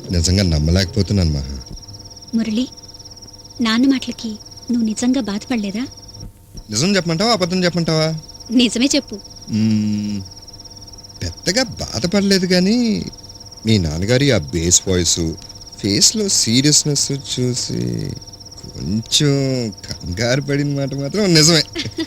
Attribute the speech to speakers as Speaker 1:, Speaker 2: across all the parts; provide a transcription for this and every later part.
Speaker 1: నిజంగా నమ్మలేకపోతున్నాను మహా.
Speaker 2: మురళి, నాన్న మాటలకి నువ్వు నిజంగా బాధపడలేదా?
Speaker 1: నిజం చెప్పమంటావా అబద్ధం చెప్పమంటావా?
Speaker 2: నిజమే చెప్పు.
Speaker 1: పెద్దగా బాధపడలేదు, కానీ మీ నాన్నగారి ఆ బేస్ వాయిస్, ఫేస్లో సీరియస్నెస్ చూసి కొంచెం కంగారు పడిన మాట మాత్రం నిజమే.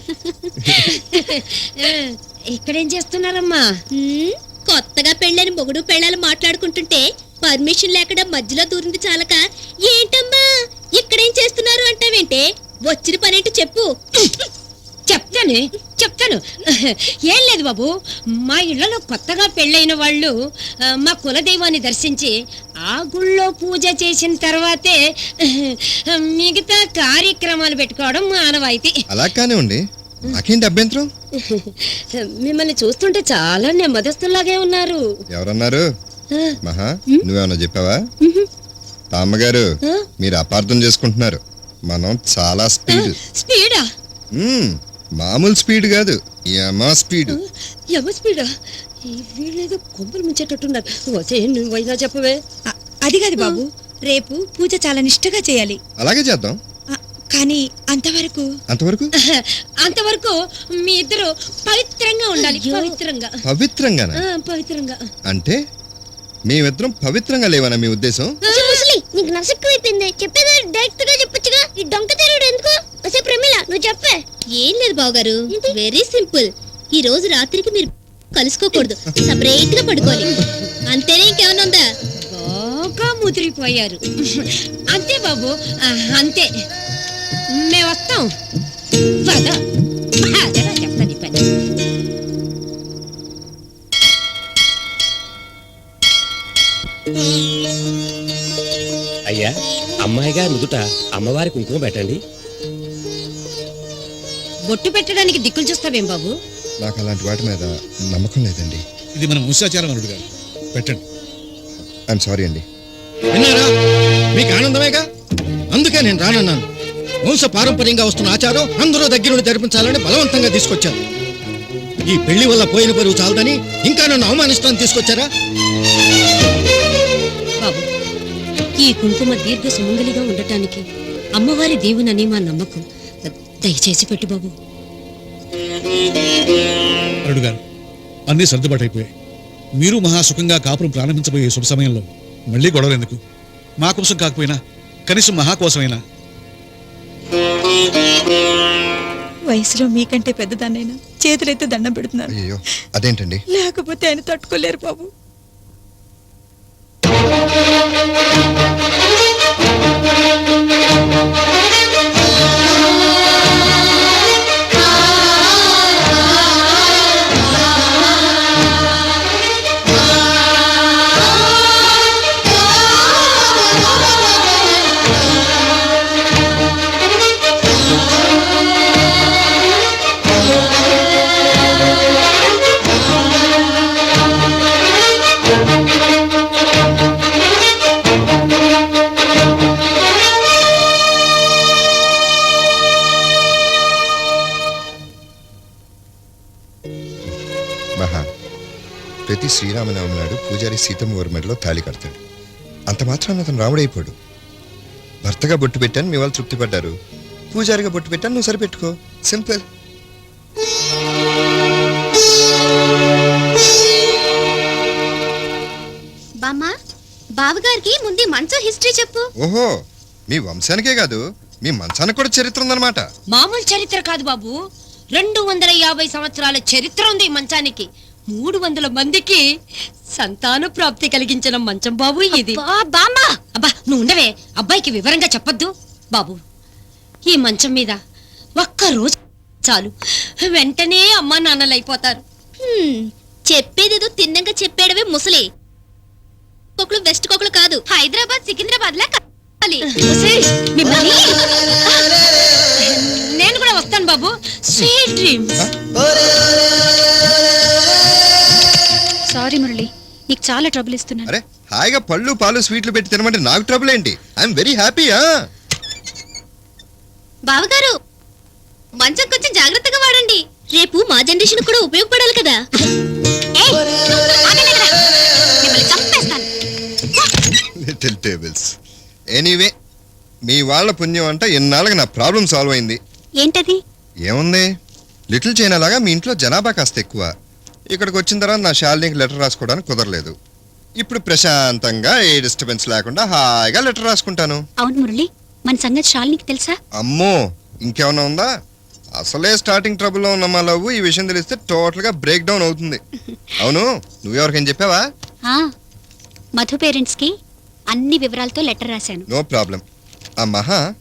Speaker 3: ఇక్కడేం చేస్తున్నారమ్మా?
Speaker 4: కొత్తగా పెళ్ళని మొగుడు పెళ్ళాలు మాట్లాడుకుంటుంటే పర్మిషన్ లేకుండా మధ్యలో దూరింది చాలక ఏంటమ్మా ఇక్కడేం చేస్తున్నారు అంటావేంటే? వచ్చిన పనేంటో చెప్పు.
Speaker 3: చెప్తాను. ఏం లేదు బాబు, మా ఇళ్లలో కొత్తగా పెళ్ళైన వాళ్ళు మా కులదైవాన్ని దర్శించి ఆ గుళ్ళో పూజ చేసిన తర్వాతే మిగతా కార్యక్రమాలు పెట్టుకోవడం ఆనవాయితీ.
Speaker 1: అలా కానివ్వండి, నాకేంటి అభ్యంతరం?
Speaker 3: మిమ్మల్ని చూస్తుంటే చాలా నెమ్మదస్తులాగే ఉన్నారు.
Speaker 1: ఎవరన్నారు? మహా, నువ్వేమన్నా చెప్పావా? అమ్మగారు, మీరు అపార్థం చేసుకుంటున్నారు. మనం చాలా
Speaker 3: స్పీడా?
Speaker 1: మామూలు స్పీడ్ కాదు, యమ స్పీడ్.
Speaker 3: స్పీడా? వీళ్ళేదో కొమ్మలు ముంచేటట్టున్నారు. నువ్వైనా చెప్పవే.
Speaker 5: అది కాదు బాబు, రేపు పూజ చాలా నిష్ఠగా చేయాలి.
Speaker 1: అలాగే చేద్దాం.
Speaker 5: కానీ అంతవరకు
Speaker 3: అంతవరకు మీ ఇద్దరు పవిత్రంగా ఉండాలి. పవిత్రంగా
Speaker 1: అంటే మేమిద్దరం పవిత్రంగా లేవనా మీ ఉద్దేశం?
Speaker 4: నీకు నసక్కువైపోయింది. చెప్పేది డైరెక్ట్ గా చెప్పొచ్చుగా. ఈ డొంక తెరుడు ఎందుకు? అసే ప్రమిళ, నువ్వు చెప్పే. ఏం లేదు బావగారు, వెరీ సింపుల్. ఈ రోజు రాత్రికి మీరు కలుసుకోకూడదు, సపరేట్ గా పడుకోవాలి. అంతేనే, ఇంకేమైనా ఉందా?
Speaker 3: బాగా ముదిరిపోయారు. అంతే బాబు, అంతే. మేము వస్తాం. చెప్తాను పని.
Speaker 6: అయ్యా, అమ్మాయి గారి నుదుట అమ్మవారి కుంకుమ పెట్టండి.
Speaker 3: బొట్టు పెట్టడానికి దిక్కులు చూస్తావేం బాబు?
Speaker 1: నాకు అలాంటి వాటి మీద నమ్మకం లేదండి.
Speaker 7: ఇది మన వంశాచారం అల్లుడు గారు, పెట్టండి.
Speaker 1: ఐఎమ్ సారీ అండి.
Speaker 8: విన్నారా? మీకు ఆనందమేగా, అందుకే నేను రానన్నాను. వంశ పారంపర్యంగా వస్తున్న ఆచారం అందరూ దగ్గరుండి జరిపించాలని బలవంతంగా తీసుకొచ్చారు. ఈ పెళ్లి వల్ల పోయిన పరువు చాలదని ఇంకా నన్ను అవమానిస్తాను తీసుకొచ్చారా?
Speaker 3: బాబు, ఈ కుంకుమ దీర్ఘ సుమంగలిగా ఉండటానికి అమ్మవారి దేవునని మా నమ్మకం. దయచేసి పెట్టు బాబు.
Speaker 7: అల్లుడు గారు, అన్నీ సర్దుబాటు అయిపోయాయి. మీరు మహాసుఖంగా కాపురం ప్రారంభించబోయే శుభ సమయంలో మళ్ళీ గొడవలు ఎందుకు? మా కోసం కాకపోయినా కనీసం మహా కోసమైనా.
Speaker 5: వయసులో మీకంటే పెద్దదాన్నైనా చేతులైతే దండం పెడుతున్నారు.
Speaker 1: అయ్యో, అదేంటండి?
Speaker 5: లేకపోతే ఆయన తట్టుకోలేరు బాబు.
Speaker 1: మహా, ప్రతి శ్రీరామనవమి నాడు పూజారి సీతమ్మ వారి మెడలో తాళి కడతాడు. అంత మాత్రాన అతను రాముడైపోడు. భర్తగా బొట్టు పెట్టాను, మీ వాళ్ళు తృప్తి పడ్డారు. పూజారిగా బొట్టు పెట్టాను, నువ్వు సరిపెట్టుకో. సింపుల్.
Speaker 4: బామ్మ, బావగారికి ముందు మంచం హిస్టరీ చెప్పు.
Speaker 1: ఓహో, మీ వంశానికే కాదు, మీ మంచానికి కూడా చరిత్ర ఉందన్నమాట.
Speaker 3: మామూలు చరిత్ర కాదు బాబు, 250 సంవత్సరాల చరిత్ర ఉంది ఈ మంచానికి. 300 మందికి సంతాన ప్రాప్తి కలిగించిన మంచం బాబు ఇది. అబ్బా, నువ్వు ఉండవే, అబ్బాయికి వివరంగా చెప్పొద్దు. బాబు, ఈ మంచం మీద ఒక్క రోజు చాలు, వెంటనే అమ్మా నాన్నలు అయిపోతారు.
Speaker 4: చెప్పేదేదో తిన్నంగా చెప్పేడమే ముసలి. కొకులు వెస్ట్ కొకులు కాదు, హైదరాబాద్ సికింద్రాబాద్ లా కావాలి.
Speaker 3: నేను కూడా వస్తాను బాబు. Sweet dreams.
Speaker 2: సారీ మురళి, నీకు చాలా ట్రబుల్ ఇస్తున్నాను.
Speaker 1: అరే, హాయిగా పళ్ళు పాలు స్వీట్లు పెట్టి తినమంటే నాకు ట్రబుల్ ఏంటి? I'm very happy.
Speaker 4: బావగారు, మంచం కొంచెం జాగ్రత్తగా వాడండి. రేపు మా జనరేషన్ కూడా ఉపయోగపడాలి కదా.
Speaker 1: Little tables. ఎనీవే మీ వాళ్ళ పుణ్యం అంట ఇన్నాళ్ళకి నా ప్రాబ్లం సాల్వ్ అయింది.
Speaker 2: ఏంటది?
Speaker 1: ఏముంది, లిటిల్ చైనా లాగా మీ ఇంట్లో జనాభా కాస్త ఎక్కువ. ఇక్కడికి వచ్చిన తర్వాత నా శాలినికి లెటర్ రాసుకోవడానికి కుదరలేదు. ఇప్పుడు ప్రశాంతంగా ఏ డిస్టర్బెన్స్ లేకుండా హాయిగా లెటర్ రాసుకుంటాను.
Speaker 2: అవును మురళి, మన సంగతి శాలినికి తెలుసా?
Speaker 1: అమ్మో, ఇంకేమన్నా ఉందా? అసలే స్టార్టింగ్ ట్రబుల్లో ఉన్న మా లవ్ ఈ విషయం తెలిస్తే టోటల్గా బ్రేక్ డౌన్ అవుతుంది. అవును, నువ్వెవరికైనా చెప్పావా?
Speaker 2: ఆ, మధు పేరెంట్స్ కి అన్ని వివరాలతో లెటర్ రాశాను.
Speaker 1: No problem. ఆ మహా